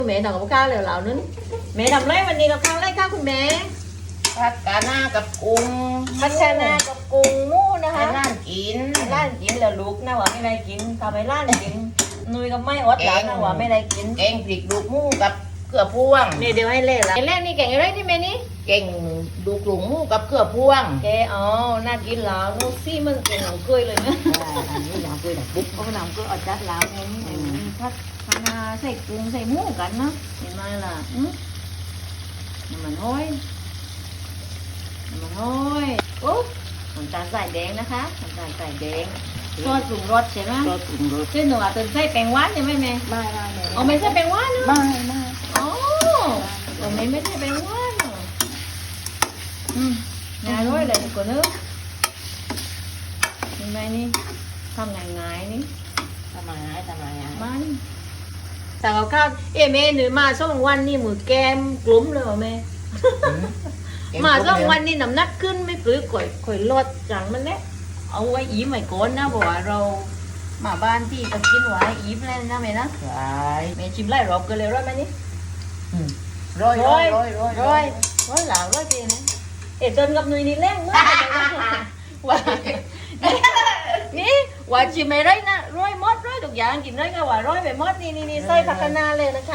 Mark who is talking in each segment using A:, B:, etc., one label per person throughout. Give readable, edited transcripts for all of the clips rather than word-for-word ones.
A: แม่ทำกับข้าวเหลวๆนึงแม่ทำไรวันนี้กับข้าวไรข้าวคุณแม่
B: ผัดกะหน้ากับกุ้ง
A: พัชนากับกุ้งหมูนะคะ
B: ให้ร้านกิน
A: ร้านกินแล้วลูกนะว่าไม่ได้กินทำให้ร้านกินนุยก็ไม่อดหลับนะว่าไม่ได้กิน
B: แกงพริกลูกหมูกับเกลือพวง
A: นี่เดี๋ยวให้เล่ละแรกนี่แกงอะไรนี่แม่นี่
B: แกงลูกหมูกับเกลือพวง
A: แกอ๋อน่ากินแล้วนูซี่มันเป็นหนังกล้วยเลยนะ
B: อันนี้อย่างเกลือดับปุ๊บ
A: เพราะหนังกล้วยอดจัดแล้วไงนี่พัดคานาใส่กุ้งใส่หมูกันเนาะเห็นไหมล่ะน้ำมันห้อยน้ำมันห้อยโอ้น้ำตาลใส่แดงนะคะน้ำตาลใส่แดงซอสปรุงรสใช่ไหม
B: รสปรุงรส
A: ซึ่งหนูอาจจะใส่แป้งหวานใช่ไหมแม่
B: ไม่
A: เอาไม่ใส่แป้งหวานเนาะ
B: ไม่
A: อ๋อเอาไม่ใส่แป้งหวานเนาะง่ายด้วยเลยทุกคนเนอะเห็นไหมนี่ทำง่ายๆนี่
B: ทำไมอ่ะ
A: มันสั่งกับข้าวเอ้แม่หนูมาสองวันนี่มือแก้มกลุ่มเลยเหรอแม่มาสองวันนี่น้ำหนักขึ้นไม่ปลื้มข่อยลดจังมันเนี่ยเอาไว้อีใหม่ก่อนนะบอกว่าเรามาบ้านที่จะกินไว้อีฟแล้วนะแม่นะ
B: ใช่
A: แม่ชิมไล่รอบกันเลยร้อยไหมนี่
B: ร้อย
A: ร้อยหลาวร้อยเจนะเอ็ดจนกับหนุ่ยนี่แรงมากว่านี่ว่าชิมไม่ได้นะร้อยมดร้อยทุกอย่างกินได้ก็ว่าร้อยไปมดนี่ใส่ผักคะน้าเลยนะคะ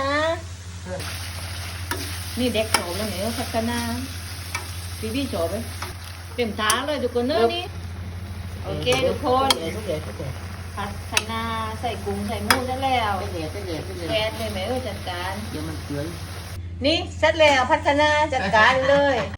A: นี่เด็กโฉบแล้วเนี่ยผักคะน้าพี่โฉบไปเต็มท้าเลยทุกคนเนอะนี่โอเคทุกคน
B: ทุกเดือน
A: ผัดคะน้าใส่กุ้งใส่หมูได้แล้ว
B: ทุกเดือน
A: แก๊สเลยแม่จัดการ
B: เดี๋ยวมันเกลือ
A: นี่เสร็จแล้วผัดคะน้าจัดการเลย